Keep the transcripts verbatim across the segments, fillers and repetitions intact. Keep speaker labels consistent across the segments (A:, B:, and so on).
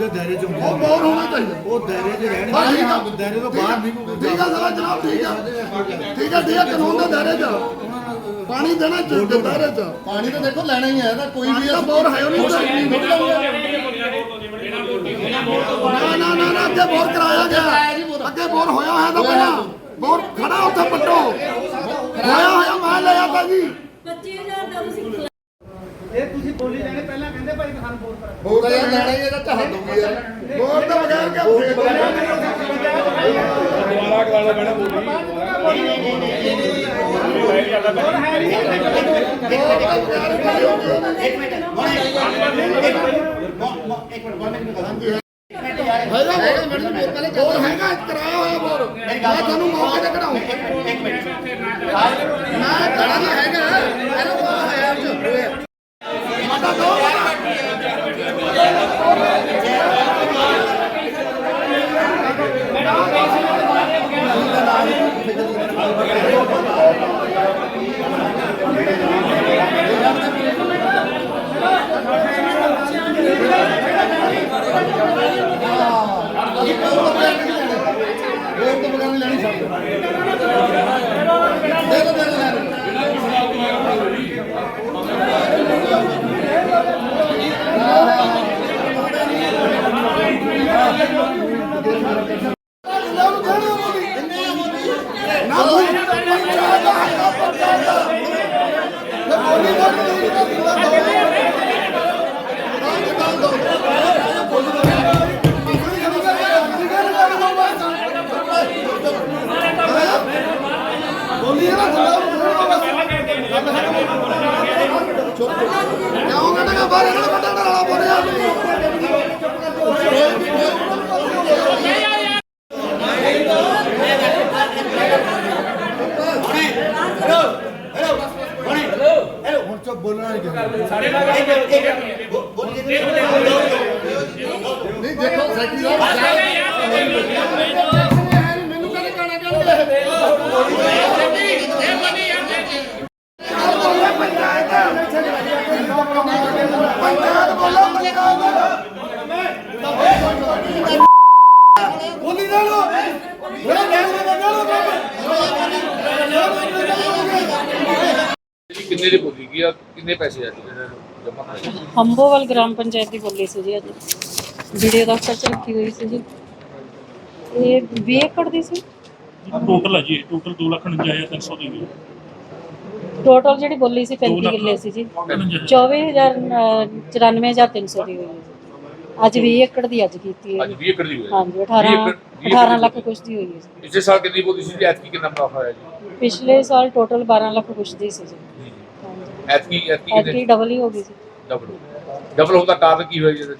A: ਉਹਦੇ ਦਾਇਰੇ 'ਚ ਹੁੰਦੇ
B: ਉਹ ਬਾਹਰ ਹੋਣਾ ਚਾਹੀਦਾ।
A: ਉਹ ਦਾਇਰੇ 'ਚ ਰਹਿਣ
B: ਹਾਂ ਠੀਕ ਆ,
A: ਦਾਇਰੇ ਤੋਂ ਬਾਹਰ ਨਹੀਂ ਕੋਈ
B: ਠੀਕ ਆ ਸਰ ਜਨਾਬ, ਠੀਕ ਆ ਠੀਕ ਆ ਠੀਕ ਆ, ਕਾਨੂੰਨ ਦੇ ਦਾਇਰੇ 'ਚ ਪਾਣੀ ਦੇਣਾ ਚਾਹੀਦਾ ਦਾਇਰੇ 'ਚ।
C: ਪਾਣੀ ਤਾਂ ਦੇਖੋ ਲੈਣਾ ਹੀ ਹੈ ਤਾਂ ਕੋਈ
B: ਪਾਣੀ
C: ਵੀ
B: ਦਾ ਬੋਰ ਹੈ ਉਹ ਨਾ ਨਾ ਨਾ ਨਾ ਅੱਗੇ ਬੋਰ ਕਰਾਇਆ ਗਿਆ, ਅੱਗੇ ਬੋਰ ਹੋਇਆ ਹੋਇਆ ਤਾਂ ਪਹਿਲਾਂ ਬੋਰ ਖੜਾ ਉੱਥੇ ਪੱਟੋ ਹੋਇਆ ਹੋਇਆ ਮੈਂ ਲੈ ਆਤਾ ਜੀ।
D: ਪੱਚੀ ਹਜ਼ਾਰ ਦਾ ਤੁਸੀਂ
E: ਇਹ ਤੁਸੀਂ ਬੋਲੀ ਜਾਣੇ ਪਹਿਲਾਂ ਕਹਿੰਦੇ ਭਾਈ ਸਾਨੂੰ ਬੋਲ ਕਰਾ
C: ਹੋਰ ਤਾਂ ਯਾਰ ਲੈਣਾ ਹੀ ਹੈ ਤਾਂ ਚਾਹ ਦੂਗੀ ਯਾਰ।
B: ਬੋਰ ਤੋਂ ਬਗੈਰ ਕਿਆ
F: ਦੁਬਾਰਾ ਕਰਾਉਣਾ ਪੈਣਾ ਬੋਲੀ
B: ਬੋਰ ਹੈਗਾ ਕਰਾਇਆ ਹੋਇਆ ਬੋਰ ਮੈਂ ਤੁਹਾਨੂੰ ਮੌਕੇ ਤੇ ਕਢਾਉਂ ਮੈਂ ਕਰਾਣਾ ਹੈਗਾ ਇਹਨੂੰ ਕੋ ਹੈ ਅੱਜ ਮਾਤਾ ਦੋ
C: ਹੋਰ ਤਾਂ ਬਗਾਨੀ ਲੈਣੀ ਛੱਡ ਦੇ ਦੋ ਦੇ ਦੇ
A: ਬੋਲਣਾ ਨਹੀਂ
C: ਨਹੀਂ ਦੇਖੋ ਸੈਕਟਰੀ ਸਾਹਿਬ ਮੈਨੂੰ ਕਹਿੰਦੇ ਗਾਣਾ ਕਹਿੰਦੇ
B: ਬੋਲੀ ਨਾ ਲੋ
F: ਕਿੰਨੇ ਦੀ ਬੋਲੀ ਗਈ ਆ ਕਿੰਨੇ ਪੈਸੇ ਆ ਜਮਾ ਕਰਾਏ
D: ਹੰਬੋਵਾਲ ਗ੍ਰਾਮ ਪੰਚਾਇਤ ਦੀ ਬੋਲੀ ਸੀ ਜੀ ਅੱਜ ਵੀਡੀਓ ਦਫ਼ਤਰ ਚ ਰੱਖੀ ਹੋਈ ਸੀ ਜੀ। ਇਹ ਵੀਹ ਏਕੜ ਦੀ ਸੀ
G: ਟੋਟਲ ਹੈ ਜੀ ਟੋਟਲ ਦੋ ਲੱਖ ਉਣੰਜਾ ਹਜ਼ਾਰ ਤਿੰਨ ਸੌ ਦੀ ਹੋਈ
D: ਟੋਟਲ ਜਿਹੜੀ ਬੋਲੀ ਸੀ ਪੈਂਤੀ ਕਿੱਲੇ ਸੀ ਜੀ। ਚੌਵੀ ਹਜ਼ਾਰ ਚੁਰਾਨਵੇਂ ਹਜ਼ਾਰ ਤਿੰਨ ਸੌ ਦੀ ਹੋਈ ਹੈ ਅੱਜ ਵੀਹ ਏਕੜ ਦੀ ਅੱਜ ਕੀਤੀ ਹੈ
F: ਅੱਜ ਵੀਹ ਏਕੜ ਦੀ ਹੋਈ
D: ਹਾਂਜੀ ਅਠਾਰਾਂ ਅਠਾਰਾਂ ਲੱਖ ਕੁਛ ਦੀ ਹੋਈ ਹੈ ਜੀ।
F: ਪਿਛਲੇ ਸਾਲ ਕਿੰਨੀ ਬੋਲੀ ਸੀ ਐਤਕੀ ਕਿੰਨਾ ਮੁਨਾਫਾ ਹੋਇਆ ਜੀ
D: ਪਿਛਲੇ ਸਾਲ ਟੋਟਲ ਬਾਰਾਂ ਲੱਖ ਕੁਛ ਦੀ ਸੀ ਜੀ। ਹਾਂਜੀ
F: ਐਤਕੀ ਐਤਕੀ ਕਿੰਨੇ
D: ਐਤਕੀ ਡਬਲ ਹੀ ਹੋ ਗਈ ਸੀ।
F: ਡਬਲ ਡਬਲ ਹੋਣ ਦਾ ਕਾਰਨ ਕੀ ਹੋਇਆ ਜੀ ਇਹਦੇ 'ਚ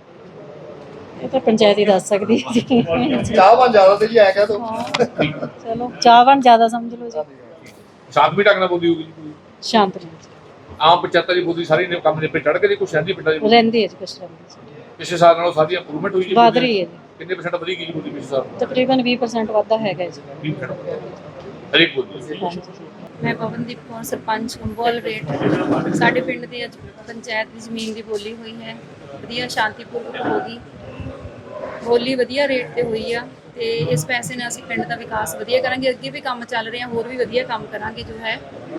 D: ਇਹ ਤਾਂ ਪੰਚਾਇਤ ਹੀ ਦੱਸ ਸਕਦੀ ਹੈ ਜੀ।
C: ਚਾਹਵਾਨ ਜ਼ਿਆਦਾ ਤੇ ਜੀ ਐ ਕਹਿ ਦੋ
D: ਹਾਂ, ਚਲੋ ਚਾਹਵਾਨ ਜ਼ਿਆਦਾ ਸਮਝ ਲਓ ਜੀ।
F: ਸ਼ਾਂਤਮਈ ਢੰਗ ਨਾਲ ਬੋਲੀ ਹੋਊਗੀ ਜੀ ਕੋਈ
D: ਸ਼ਾਂਤ ਰਹੋ
F: ਆਮ ਪੰਚਾਇਤਾਂ ਦੀ ਬੋਲੀ ਸਾਰੀ ਨੇ ਕੰਮ ਦੇ ਪੇ ਚੜ ਕੇ ਜੀ ਕੁਛ ਸ਼ਹਿਰੀ ਪਿੰਡਾਂ ਦੀ ਬੋਲੀ?
D: ਰਹਿੰਦੀ ਹੈ ਜੀ ਕੁਛ ਰਹਿੰਦੀ ਹੈ
F: ਪਿਛਲੇ ਸਾਲ ਨਾਲੋਂ ਸਾਡੀ ਇੰਪਰੂਵਮੈਂਟ ਹੋਈ ਜੀ
D: ਵਧ ਰਹੀ ਹੈ ਜੀ
F: ਕਿੰਨੇ ਪਰਸੈਂਟ ਵਧੀ ਗਈ ਜੀ ਬੋਲੀ ਪਿਛਲੇ ਸਾਲ
D: ਤਕਰੀਬਨ ਵੀਹ ਪਰਸੈਂਟ ਵਾਧਾ ਹੈਗਾ ਜੀ।
F: ਵੀਹ percent ਹਰੇਕ ਬੋਲੀ
D: ਹਾਂਜੀ
H: ਮੈਂ ਪਵਨਦੀਪ ਕੌਰ ਸਰਪੰਚ ਹੰਬੋਵਾਲ ਰੇਟ ਸਾਡੇ ਪਿੰਡ ਦੀ ਅੱਜ ਪੰਚਾਇਤ ਦੀ ਜ਼ਮੀਨ ਦੀ ਬੋਲੀ ਹੋਈ ਹੈ ਵਧੀਆ ਸ਼ਾਂਤੀਪੂਰਵਕ ਹੋ ਗਈ ਬੋਲੀ ਵਧੀਆ ਰੇਟ ਤੇ ਹੋਈ ਆ ਤੇ ਇਸ ਪੈਸੇ ਨਾਲ ਅਸੀਂ ਪਿੰਡ ਦਾ ਵਿਕਾਸ ਵਧੀਆ ਕਰਾਂਗੇ ਅੱਗੇ ਵੀ ਕੰਮ ਚੱਲ ਰਹੇ ਆ ਹੋਰ ਵੀ ਵਧੀਆ ਕੰਮ ਕਰਾਂਗੇ ਜੋ ਹੈ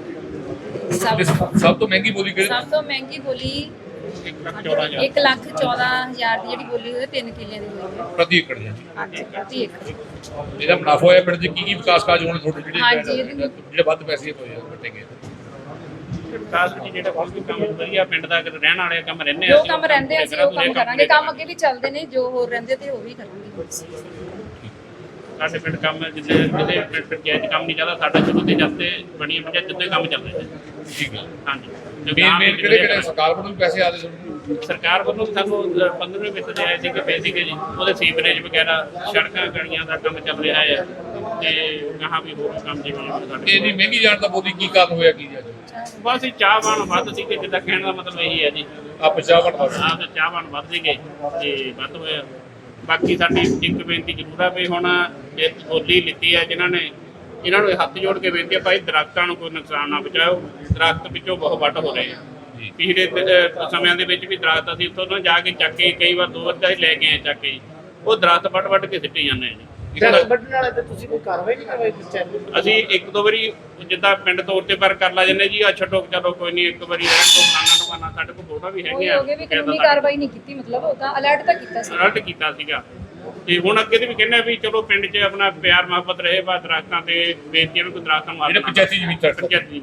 H: ਸਭ
F: ਸਭ ਤੋਂ ਮਹਿੰਗੀ ਬੋਲੀ ਕਿਹੜੀ
H: ਸਭ ਤੋਂ ਮਹਿੰਗੀ ਬੋਲੀ ਇੱਕ ਲੱਖ ਚੌਦਾਂ ਹਜ਼ਾਰ ਦੀ ਜਿਹੜੀ ਬੋਲੀ ਹੋਈ ਤਿੰਨ ਕਿੱਲਿਆਂ ਦੀ ਹੋਈ ਹੈ
F: ਪ੍ਰਤੀ ਏਕੜ ਜੀ
H: ਹਾਂਜੀ ਪ੍ਰਤੀ ਏਕੜ
F: ਇਹਦਾ ਮੁਨਾਫਾ ਹੋਇਆ ਪਿੰਡ 'ਚ ਕੀ ਕੀ ਵਿਕਾਸ ਕਾਰਜ ਹੋਣੇ ਤੁਹਾਡੇ ਜਿਹੜੇ
H: ਹਾਂਜੀ, ਇਹਦੇ ਵਿੱਚ-
F: ਜਿਹੜੇ ਵੱਧ ਪੈਸੇ ਹੋਏ ਆ ਵੱਟੇ ਗਏ
G: ਵਿਕਾਸ ਵਿੱਚ ਜਿਹੜਾ ਬਹੁਤ ਵੀ ਕੰਮ ਵਧੀਆ ਪਿੰਡ ਦਾ ਰਹਿਣ ਵਾਲੇ ਕੰਮ ਰਹਿੰਦੇ
H: ਜੋ ਕੰਮ ਰਹਿੰਦੇ ਅਸੀਂ ਉਹ ਕੰਮ ਕਰਾਂਗੇ ਕੰਮ ਅੱਗੇ ਵੀ ਚੱਲਦੇ ਨੇ ਜੋ ਹੋਰ ਰਹਿੰਦੇ ਤੇ ਉਹ ਵੀ ਕਰਾਂਗੇ
G: ਸਾਡੇ ਪਿੰਡ ਕੰਮ ਜਿੱਦੇ ਜਿਹਦੇ ਪਿੰਡ ਪੰਚਾਇਤ ਕੰਮ ਨਹੀਂ ਚੱਲਦਾ ਸਾਡਾ ਜਦੋਂ ਤੇ ਜੱਤੇ ਬਣੀ ਪੰਚਾਇਤ ਜਿੱਦੇ ਕੰਮ ਚੱਲ ਰਹੇ ਨੇ
F: ਠੀਕ ਹੈ
G: ਹਾਂਜੀ
F: ਮੇਨ ਮੇਨ ਕਿਹੜੇ ਕਿਹੜੇ ਸਰਕਾਰ ਵੱਲੋਂ ਵੀ ਪੈਸੇ ਆਦੇ ਤੁਹਾਨੂੰ
G: ਸਰਕਾਰ ਵੱਲੋਂ ਸਾਨੂੰ ਪੰਦਰਵੇਂ ਵਿਤ ਦੇ ਆਏ ਸੀ ਕਿ ਪੈਸੇ ਕੇ ਜੀ ਉਹਦੇ ਸੀਵਰੇਜ ਵਗੈਰਾ ਸੜਕਾਂ ਗਲੀਆਂ ਦਾ ਕੰਮ ਚੱਲ ਰਿਹਾ ਹੈ ਤੇ ਕਹਾਂ ਵੀ ਹੋਰ ਕੰਮ ਜਿਵੇਂ ਸਾਡੇ
F: ਇੰਨੀ ਮਹਿੰਗੀ ਜਾਣ ਦਾ ਬੋਲੀ ਕੀ ਕਾਰਨ ਹੋਇਆ ਕੀ ਜੀ
G: ਬਸ ਇਹ ਚਾਹਵਾਨ ਵੱਧ ਸੀ ਕਿ ਜਿੱਦਾਂ ਕਹਿਣ ਦਾ ਮਤਲਬ ਇਹੀ ਹੈ ਜੀ
F: ਆ ਪੰਜਾਬ ਵੜ
G: ਆਪ ਤੇ ਚਾਹਵਾਨ ਵੱਧ ਸੀਗੇ ਤੇ ਵੱਧ ਹੋਇਆ ਬਾਕੀ ਸਾਡੀ ਇੱਕ ਬੇਨਤੀ ਜ਼ਰੂਰ ਆ ਵੀ ਹੁਣ ਇਹ ਬੋਲੀ ਲਿੱਤੀ ਹੈ ਜਿਨ੍ਹਾਂ ਨੇ ਇਹਨਾਂ ਨੂੰ ਹੱਥ ਜੋੜ ਕੇ ਬੇਨਤੀ ਹੈ ਭਾਈ ਦਰਖਤਾਂ ਨੂੰ ਕੋਈ ਨੁਕਸਾਨ ਨਾ ਪਹੁੰਚਾਓ ਦਰਖਤ ਵਿੱਚੋਂ ਬਹੁਤ ਵੱਢ ਹੋ ਰਹੇ ਆ
F: ਜੀ।
G: ਪਿਛਲੇ ਅਹ, ਸਮਿਆਂ ਦੇ ਵਿੱਚ ਵੀ ਦਰਖਤ ਅਸੀਂ ਉੱਥੋਂ ਨਾ ਜਾ ਕੇ ਚੱਕ ਕੇ ਕਈ ਵਾਰ ਦੋ ਵਾਰ ਤਾਂ ਅਸੀਂ ਲੈ ਕੇ ਆਏ ਚੱਕ ਕੇ ਜੀ। ਉਹ ਦਰਖਤ ਵੱਢ ਵੱਢ ਕੇ ਸਿੱਟੇ ਜਾਂਦੇ ਆ ਜੀ।
E: ਦਰਖਤ ਵੱਢਣ ਵਾਲੇ ਤੇ ਤੁਸੀਂ ਕੋਈ ਕਾਰਵਾਈ ਨਹੀਂ ਕਰਵਾਈ ਪੰਚਾਇਤ ਨੂੰ?
G: ਅਸੀਂ ਇੱਕ ਦੋ ਵਾਰੀ ਜਿੱਦਾਂ ਪਿੰਡ ਤੌਰ ਤੇ ਪਰ ਕਰ ਲਾ ਜੰਨੇ ਜੀ ਆ ਛੱਡੋ ਚਲੋ ਕੋਈ ਨਹੀਂ ਇੱਕ ਵਾਰੀ ਰਹਿਣ ਤੋਂ ਫਲਾਣਾ ਟੁਕਾਣਾ ਸਾਡੇ ਕੋਲ ਫੋਟੋ ਵੀ ਹੈਗੇ ਆ
H: ਹੋ ਗਏ ਵੀ ਕਾਨੂੰਨੀ ਕਾਰਵਾਈ ਨਹੀਂ ਕੀਤੀ, ਮਤਲਬ ਉਹ ਤਾਂ ਅਲਰਟ ਤਾਂ ਕੀਤਾ ਸੀ।
G: ਅਲਰਟ ਕੀਤਾ ਸੀਗਾ ਤੇ ਹੁਣ ਅੱਗੇ ਤੇ ਵੀ ਕਹਿੰਦੇ ਆ ਵੀ ਚਲੋ ਪਿੰਡ 'ਚ ਆਪਣਾ ਪਿਆਰ ਮੁਹੱਬਤ ਰਹੇ ਬਾ ਦਰਖਤਾਂ ਤੇ ਬੇਨਤੀ ਹੈ ਵੀ ਕੋਈ ਦਰਖਤਾਂ ਨੂੰ
F: ਜਿਹੜੇ ਪੰਚਾਇਤੀ ਜ਼ਮੀਨ ਤੱਕ
G: ਪੰਚਾਇਤੀ